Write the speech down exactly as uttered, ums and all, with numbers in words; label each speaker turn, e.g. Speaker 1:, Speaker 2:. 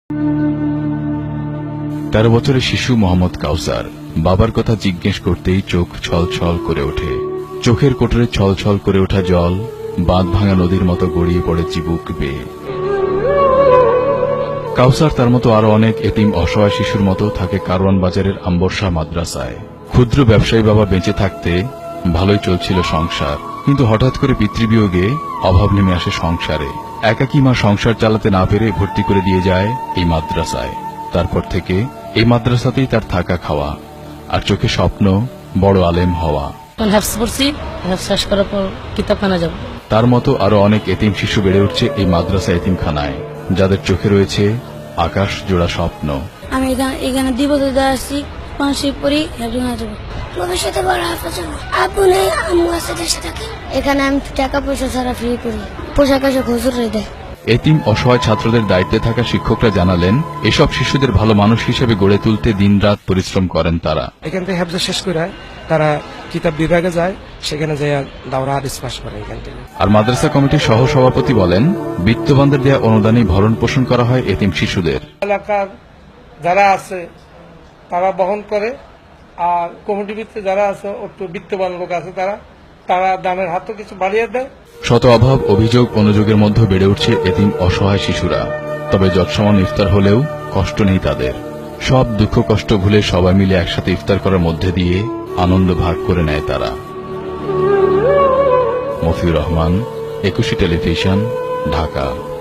Speaker 1: তেরো বছরের শিশু মোহাম্মদ কাউসার বাবার কথা জিজ্ঞেস করতেই চোখ ছল ছল করে ওঠে। চোখের কোটরে ছল ছল করে ওঠা জল বাঁধ ভাঙা নদীর মতো গড়িয়ে পড়ে চিবুক বেয়ে। কাউসার তার মতো আরো অনেক এতিম অসহায় শিশুর মতো থাকে কারওয়ান বাজারের আম্বরশাহ মাদ্রাসায়। ক্ষুদ্র ব্যবসায়ী বাবা বেঁচে থাকতে ভালোই চলছিল সংসার, কিন্তু হঠাৎ করে পিতৃবিয়োগে অভাব নেমে আসে সংসারে। একাকী মা সংসার চালাতে না পেরে ভর্তি করে দিয়ে যায় এই মাদ্রাসায়। তারপর থেকে এই মাদ্রাসাতেই তার থাকা খাওয়া, আর চোখে স্বপ্ন বড় আলেম হওয়া। তার মতো আরো অনেক এতিম শিশু বেড়ে উঠছে এই মাদ্রাসা এতিমখানায়, যাদের চোখে রয়েছে আকাশ জোড়া স্বপ্ন।
Speaker 2: আমি এখানে দিব আসছি পাঁচশো পড়ি ভবিষ্যতে বড় হাফেজ হবো। আব্বু নেই, আম্মু আছে দেশে থাকে। এখানে আমি টাকা পয়সা ছাড়া ফ্রি করি, পোশাক আশাক হুজুরে দেয়।
Speaker 1: এতিম অসহায় ছাত্রদের দায়িত্বে থাকা শিক্ষকরা জানালেন, এসব শিশুদের ভালো মানুষ হিসেবে গড়ে তুলতে দিনরাত পরিশ্রম করেন তারা।
Speaker 3: এখান থেকে হেফজ শেষ করে তারা কিতাব বিভাগে যায়, সেখানে যায় দাওরা হাদিস পাস করে এখান থেকে।
Speaker 1: আর মাদ্রাসা কমিটির সহ সভাপতি বলেন, বিত্তবানদের দেয়া অনুদানে ভরণ পোষণ করা হয় এতিম শিশুদের।
Speaker 4: এলাকার যারা আছে তারা বহন করে, আর কমিটির ভিতরে যারা আছে একটু বিত্তবান লোক আছে তারা তারা দামের হাতও কিছু বাড়িয়ে দেয়।
Speaker 1: শত অভাব অভিযোগ অনুযোগের মধ্যে বেড়ে উঠছে এতিম অসহায় শিশুরা। তবে যৎসমান ইফতার হলেও কষ্ট নেই তাদের। সব দুঃখ কষ্ট ভুলে সবাই মিলে একসাথে ইফতার করার মধ্যে দিয়ে আনন্দ ভাগ করে নেয় তারা। মফিউর রহমান, একুশে টেলিভিশন, ঢাকা।